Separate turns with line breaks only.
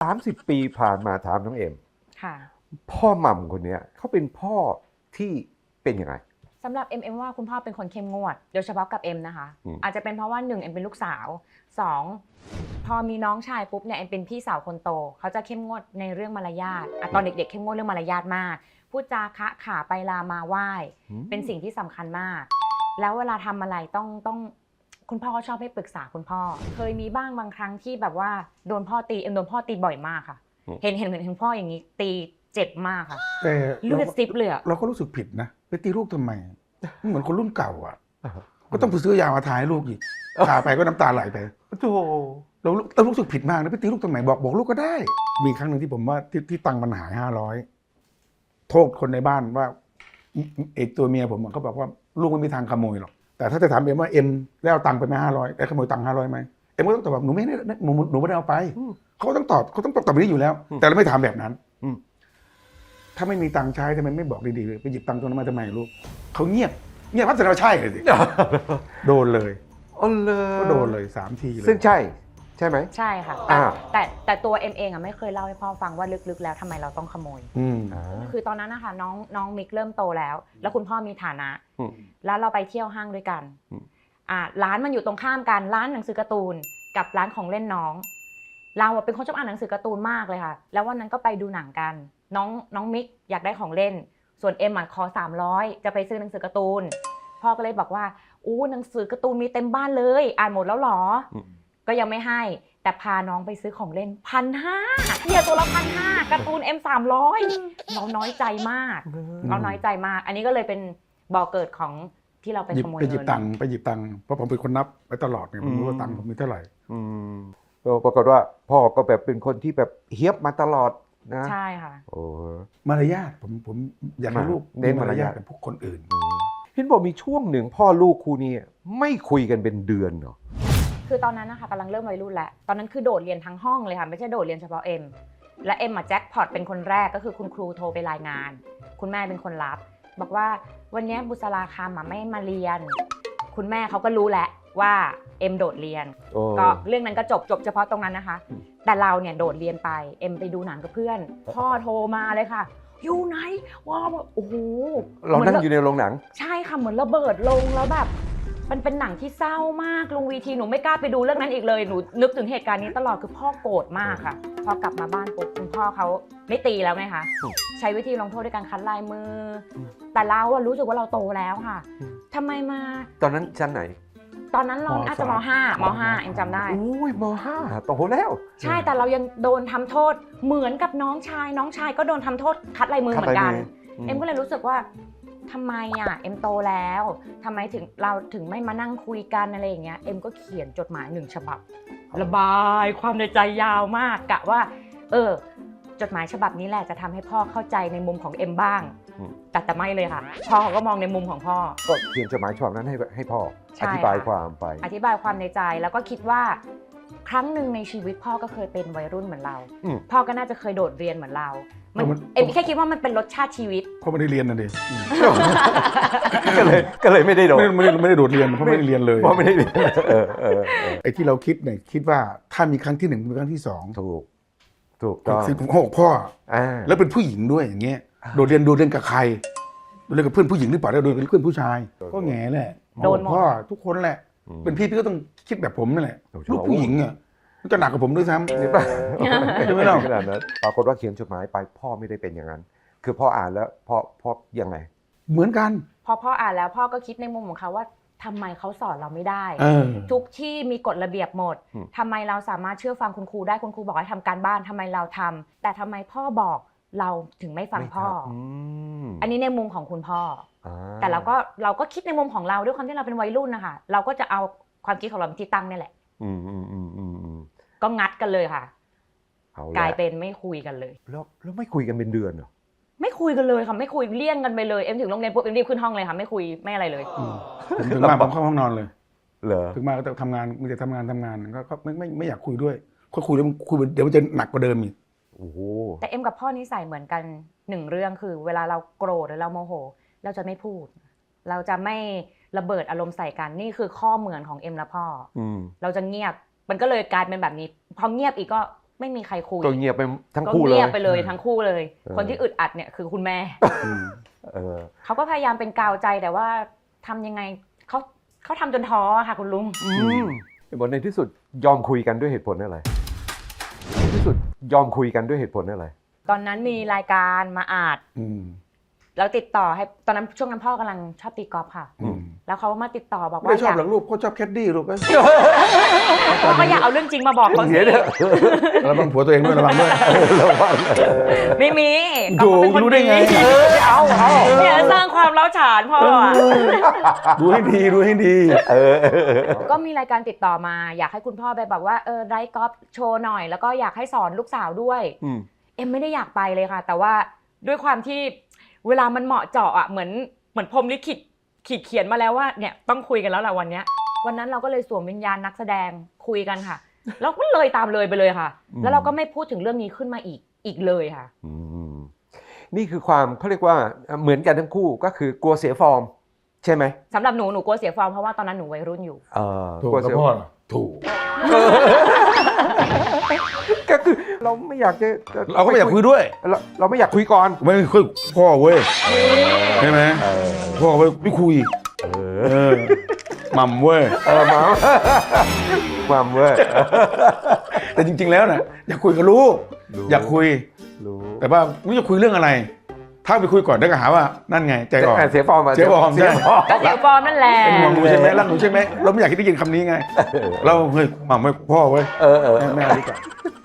30 ปีผ่านมาถามน้องเอ็ม
ค่ะ
พ่อหม่ำคนนี้เขาเป็นพ่อที่เป็นยังไง
สำหรับเอ็มว่าคุณพ่อเป็นคนเข้มงวดโดยเฉพาะกับเอ็มนะคะอาจจะเป็นเพราะว่า1เอ็มเป็นลูกสาว2พอมีน้องชายปุ๊บเนี่ยเอ็มเป็นพี่สาวคนโตเขาจะเข้มงวดในเรื่องมารยาทตอนเด็กๆเข้มงวดเรื่องมารยาทมากพูดจาคะขาไปลามาไหว้เป็นสิ่งที่สำคัญมากแล้วเวลาทำอะไรต้องคุณพ่อก็ชอบให้ปรึกษาคุณพ่อเคยมีบ้างบางครั้งที่แบบว่าโดนพ่อตีเอ็มโดนพ่อตีบ่อยมากค่ะเห็นพ่ออย่างนี้ตีเจ็บมากค่ะ
แต่
เลือดซิบเลย
เราก็รู้สึกผิดนะไปตีลูกทำไมเหมือนคนรุ่นเก่าอ่ะก็ต้องไปซื้อยามาทาให้ลูกอีกทาไปก็น้ำตาไหลไป
โธ่
เรารู้สึกผิดมากนะไปตีลูกทำไมบอกลูกก็ได้มีครั้งหนึ่งที่ผมว่าที่ตังค์มันหาย500โทษคนในบ้านว่าไอ้ตัวเมียผมเขาบอกว่าลูกไม่มีทางขโมยหรอกแต่ถ้าจะถามเอ็มว่าเอ็มได้เอาตังค์ไปไหม500ได้ขโมยตังค์500ไหมเอ็มก็ต้องตอบว่าหนูไม่ได้เอาไปเขาต้องตอบแบบนี้อยู่แล้วแต่เราไม่ถามแบบนั้นถ้าไม่มีตังค์ใช้ทำไมไม่บอกดีๆไปหยิบตังค์ตรงนั้นมาทำไมลูกเขาเงียบพัฒนาใช่เลยสิโดนเลยก็โดนเลย3 ทีเลย
ซึ่งใช่ไหม
ใช่ค่ะแต่ตัวเอ็มเองไม่เคยเล่าให้พ่อฟังว่าลึกๆแล้วทำไมเราต้องขโมยคือตอนนั้นนะคะน้องมิกเริ่มโตแล้วคุณพ่อมีฐานะแล้วเราไปเที่ยวห้างด้วยกันร้านมันอยู่ตรงข้ามกันร้านหนังสือการ์ตูนกับร้านของเล่นน้องเราเป็นคนชอบอ่านหนังสือการ์ตูนมากเลยค่ะแล้ววันนั้นก็ไปดูหนังกันน้องมิกอยากได้ของเล่นส่วนเอ็มขอ300จะไปซื้อหนังสือการ์ตูนพ่อก็เลยบอกว่าหนังสือการ์ตูนมีเต็มบ้านเลยอ่านหมดแล้วหรอก็ยังไม่ให้แต่พาน้องไปซื้อของเล่น1,500เนี่ยตัวละ1,500การ์ตูน300เราน้อยใจมากอันนี้ก็เลยเป็นบ่อเกิดของที่เราไปขโมยเงินไปหยิบตังค์
เพราะผมเป็นคนนับไปตลอดเนี่ยผมรู้ว่าตังค์ผมมีเท่าไหร่
ปรากฏว่าพ่อก็แบบเป็นคนที่แบบเฮี้ยบมาตลอดนะ
ใช่ค่ะ
มารยาทผมอยากให้ลูก
เน้นมารยาท
กับพวกคนอื่น
เห็นบอกมีช่วงหนึ่งพ่อลูกคู่นี้ไม่คุยกันเป็นเดือนเหรอ
คือตอนนั้นนะคะกำลังเริ่มวัยรุ่นแล้วตอนนั้นคือโดดเรียนทั้งห้องเลยค่ะไม่ใช่โดดเรียนเฉพาะเอ็มและเอ็มแจ็คพอตเป็นคนแรกก็คือคุณครูโทรไปรายงานคุณแม่เป็นคนรับบอกว่าวันนี้บุษราคำไม่มาเรียนคุณแม่เขาก็รู้แหละว่าเอ็มโดดเรียนก็เรื่องนั้นก็จบเฉพาะตรงนั้นนะคะแต่เราเนี่ยโดดเรียนไปเอ็มไปดูหนังกับเพื่อนพ่อโทรมาเลยค่ะอยู่ไหนว้าวโอ้โห
เรานั่งอยู่ในโรงหนัง
ใช่ค่ะเหมือนระเบิดลงแล้วแบบมันเป็นหนังที่เศร้ามากลงวีทีหนูไม่กล้าไปดูเรื่องนั้นอีกเลยหนูนึกถึงเหตุการณ์นี้ตลอดคือพ่อโกรธมากค่ะพอกลับมาบ้านปุ๊บคุณพ่อเขาไม่ตีแล้วไงคะใช้วิธีลงโทษด้วยการคัดลายมือแต่เรารู้สึกว่าเราโตแล้วค่ะทำไมมา
ตอนนั้นชั้นไหน
ตอนนั้นเราอาจจะม.5 เอ็มจำได้
อุ้ยม.5 โตแล้ว
ใช่แต่เรายังโดนทำโทษเหมือนกับน้องชายก็โดนทำโทษคัดลายมือเหมือนกันเอ็มก็เลยรู้สึกว่าทำไมเอ็มโตแล้วทำไมเราถึงไม่มานั่งคุยกันอะไรอย่างเงี้ยเอ็มก็เขียนจดหมาย1 ฉบับระบายความในใจยาวมากกะว่าจดหมายฉบับนี้แหละจะทำให้พ่อเข้าใจในมุมของเอ็มบ้างแต่ไม่เลยค่ะพ่อเขาก็มองในมุมของพ่อ
ก็เขียนจดหมายฉบับนั้นให้พ่ออธิบายความในใจแล้วก็คิดว่าครั้งหนึ่งในชีวิตพ่อก็เคยเป็นวัยรุ่นเหมือนเราพ่อก็น่าจะเคยโดดเรียนเหมือนเราเอ็มแค่คิดว่ามันเป็นรสชาติชีวิต
เพราะไม่ได้เรียนนั่นเอง
ก็เลยไม่ได้โดด
ไม่ได้โดดเรียนเพราะไม่ได้เรียนเลย
เพราะไม่ได้เรียน
ไอ้ที่เราคิดเนี่ยคิดว่าถ้ามีครั้งที่1มีครั้งที่2
ถูกต้อง
สิ่งของพ่อแล้วเป็นผู้หญิงด้วยอย่างเงี้ยโดดเรียนกับใครโดดเรียนกับเพื่อนผู้หญิงหรือเปล่าแล้วโดดเรียนกับเพื่อนผู้ชายก็แง่แหละโดนพ่อทุกคนแหละเป็นพี่ก็ต้องคิดแบบผมนั่นแหละลูกผู้หญิงอ่ะมันจะหนักกว่าผมด้วยซ้ำใช่ไหมล่ะ
ขนาดนั้นปรากฏว่าเขียนจดหมายไปพ่อไม่ได้เป็นอย่างนั้นคือพ่ออ่านแล้วพ่อยังไง
เหมือนกัน
พอพ่ออ่านแล้วพ่อก็คิดในมุมของเขาว่าทำไมเขาสอนเราไม่ได้ทุกที่มีกฎระเบียบหมดทำไมเราสามารถเชื่อฟังคุณครูได้คุณครูบอกให้ทำการบ้านทำไมเราทำแต่ทำไมพ่อบอกเราถึงไม่ฟังพ่ออันนี้ในมุมของคุณพ่อแต่เราก็คิดในมุมของเราด้วยความที่เราเป็นวัยรุ่นนะคะเราก็จะเอาความคิดของเราเป็นที่ตั้งนี่แหละก็งัดกันเลยค่ะกลายเป็นไม่คุยกันเลย
แล้วไม่คุยกันเป็นเดือนเหรอ
ไม่คุยกันเลยค่ะไม่คุยเลี่ยงกันไปเลยเอ็มถึงโรงเรียนปุ๊บเอ็มรีบขึ้นห้องเลยค่ะไม่คุยไม่อะไรเลย
ถึงมาผมเข้าห้องนอนเลย
เหรอ
ถึงมาก็จะทำงานมันจะทำงานก็ไม่อยากคุยด้วยคุยแล้วคุยเดี๋ยวมันจะหนักกว่าเดิมอีก
แต่เอ็มกับพ่อนิสัยเหมือนกัน1 เรื่องคือเวลาเราโกรธหรือเราโมโหเราจะไม่พูดเราจะไม่ระเบิดอารมณ์ใส่กันนี่คือข้อเหมือนของเอ็มและพ่อเราจะเงียบมันก็เลยกลายเป็นแบบนี้พอเงียบอีกก็ไม่มีใครคุย
ก็เงียบไปทั้งคู่เลย
ก็เงียบไปเลยทั้งคู่เลย คนที่อึดอัดเนี่ยคือคุณแม่เขาก็พยายามเป็นกาวใจแต่ว่าทำยังไงเขาทำจนท้อค่ะคุณลุง
บนในที่สุดยอมคุยกันด้วยเหตุผลอะไรในที่สุดยอมคุยกันด้วยเหตุผลอะไร
ตอนนั้นมีรายการมาอัดแล้วติดต่อให้ตอนนั้นช่วงนั้นพ่อกำลังชอบตีกอล์ฟค่ะแล้วเขามาติดต่อบอกว่า
ไม่ชอบหรอกลูกเขาชอบแคดดี้ลูก
เขาก็อยากเอาเรื่องจริงมาบอกเขาสิ
ระวังผัวตัวเองด้วยระวังด้วย
ไม่มี
ดูรู้ได้ไง
เอาเนี่ยสร้างความเล้าฉานพ่อ
ดูให้ดี
ก็มีรายการติดต่อมาอยากให้คุณพ่อไปแบบว่าไลฟ์กอล์ฟโชว์หน่อยแล้วก็อยากให้สอนลูกสาวด้วยเอ็มไม่ได้อยากไปเลยค่ะแต่ว่าด้วยความที่เวลามันเหมาะเจาะอ่ะเหมือนพรหมลิขิตขีดเขียนมาแล้วว่าเนี่ยต้องคุยกันแล้วแหละวันนั้นเราก็เลยสวมวิญญาณนักแสดงคุยกันค่ะแล้วก็เลยตามเลยไปเลยค่ะแล้วเราก็ไม่พูดถึงเรื่องนี้ขึ้นมาอีกเลยค่ะ
นี่คือความเขาเรียกว่าเหมือนกันทั้งคู่ก็คือกลัวเสียฟอร์มใช่ไหม
สำหรับหนูกลัวเสียฟอร์มเพราะว่าตอนนั้นหนูวัยรุ่นอยู่
กลัวเสียฟอร์มถูก
ก็คือเราไม่อยากจะ
เราก็ไม่อยากคุยด้วย
เราไม่อยากคุยก่อน
ไม่คุยพ่อเว้ยใช่ไหมพ่อเว้ยไม่คุยมัมเว้ย
มัมเว้ย
แต่จริงๆแล้วนะอยากคุยกับลูกอยากคุยแต่ว่าไม่รู้จะคุยเรื่องอะไรถ้าไปคุยก่อนได้ก็หาว่านั่นไงใจอ่อน
เสียฟอร์ม
เสียฟอร์มใช่
ก็เสียฟอร์มนั่นแหละ
เป็นห่วงหนูใช่ไหมรักหนูใช่ไหมเราไม่อยากได้ยินคำนี้ไงเราเฮ้ยมัมเว้ยพ่อเว้ยแม่ดีกว่า